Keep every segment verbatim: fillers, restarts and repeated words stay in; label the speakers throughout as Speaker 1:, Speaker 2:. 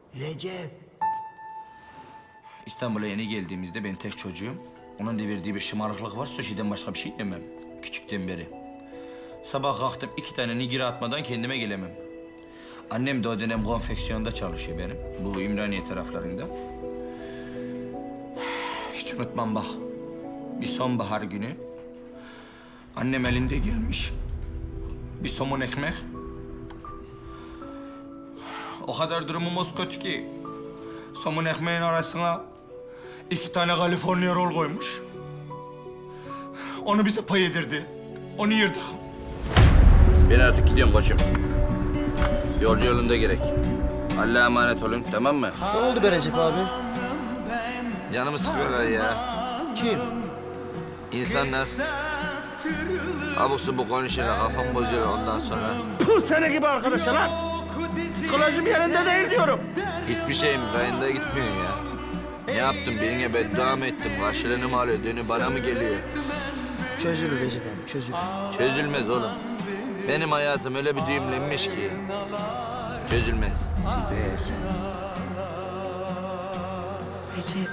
Speaker 1: Recep.
Speaker 2: İstanbul'a yeni geldiğimizde ben tek çocuğum. Onun da verdiği bir şımarıklık var. Sushi'den başka bir şey yemem. Küçükten beri. Sabah kalktım iki tane nigiri atmadan kendime gelemem. Annem de o dönem konfeksiyonda çalışıyor benim. Bu İmraniye taraflarında. Hiç unutmam bak. Bir sonbahar günü. Annem elinde gelmiş. Bir somun ekmek. O kadar durumumuz kötü ki. Somun ekmeğin arasına iki tane California roll koymuş. Onu bize pay yedirdi. Onu yırdık.
Speaker 3: Ben artık gidiyorum koçum. Yolcu yolunda gerek. Allah'a emanet olun, tamam mı?
Speaker 1: Ne oldu be Recep abi?
Speaker 3: Canımı sıkıyorlar ya.
Speaker 1: Kim?
Speaker 3: İnsanlar abuk subuk konuşuyorlar, kafam bozuyor ondan sonra.
Speaker 4: Bu sene gibi arkadaşa lan. Psikolojim yerinde değil diyorum.
Speaker 3: Hiçbir şeyim rayında gitmiyor ya. Ne yaptım? Birine beddua mı ettim? Karşılığını mı alıyor? Dönü bana mı geliyor?
Speaker 1: Çözülür Recep abi, çözülür.
Speaker 3: Çözülmez oğlum. Benim hayatım öyle bir düğümlenmiş ki. Çözülmez.
Speaker 1: Siber.
Speaker 5: Recep.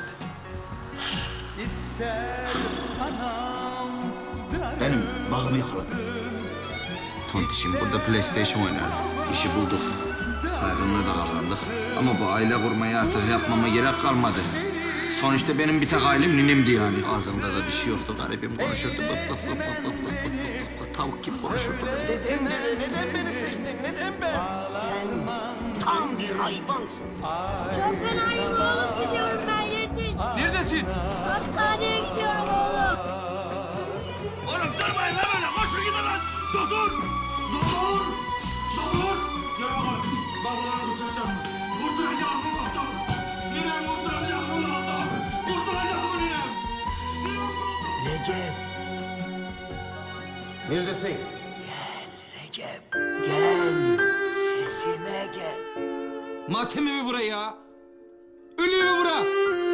Speaker 2: Benim bağımı yakaladı.
Speaker 3: Tontişim burada PlayStation oynayalım. İşi bulduk. Saygınlığı da kazandık. Ama bu aile kurmayı artık yapmama gerek kalmadı.
Speaker 2: Sonuçta benim bir tek ailem ninemdi yani.
Speaker 3: Ağzımda da bir şey yoktu. Garibim konuşurdu. Bıp bıp bıp bıp bıp bıp bıp bıp. Tavuk gibi konuşurdu.
Speaker 1: Neden dede, neden beni seçtin, neden ben? Sen tam bir hayvansın.
Speaker 6: Çok fenayım oğlum, gidiyorum ben, yetiş.
Speaker 2: Neredesin?
Speaker 6: Hastaneye gidiyorum oğlum.
Speaker 2: Oğlum durmayın lan öyle. Koşun gidin lan. Doktor! Doktor! Doktor! Gel bakalım. Babaları kurtaracak mı? Kurtaracak mı doktor? Ninem kurtaracak mı doktor? Kurtaracak mı ninem? Ninem kurtaracak.
Speaker 1: Recep,
Speaker 3: Neredesin?
Speaker 1: gel Recep, gel. Sesime gel.
Speaker 2: Matemi mi bura ya? Ölüyor mu bura?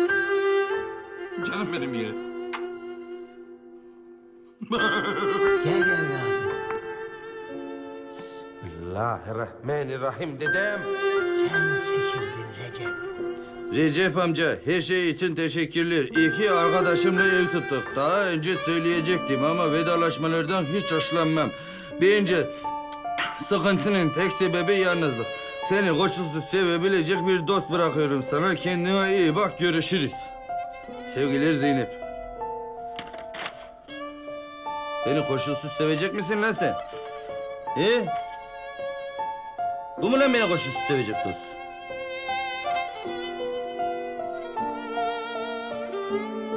Speaker 2: Canım benim ya.
Speaker 1: Gel evladım.
Speaker 4: Bismillahirrahmanirrahim dedem.
Speaker 1: Sen seçildin Recep.
Speaker 3: Recep amca, her şey için teşekkürler. İyi ki arkadaşımla ev tuttuk. Daha önce söyleyecektim ama vedalaşmalardan hiç hoşlanmam. Bence sıkıntının tek sebebi yalnızlık. Seni koşulsuz sevebilecek bir dost bırakıyorum sana. Kendine iyi bak, görüşürüz. Sevgiler Zeynep. Beni koşulsuz sevecek misin lan sen? He? Bu mu lan beni koşulsuz sevecek dost?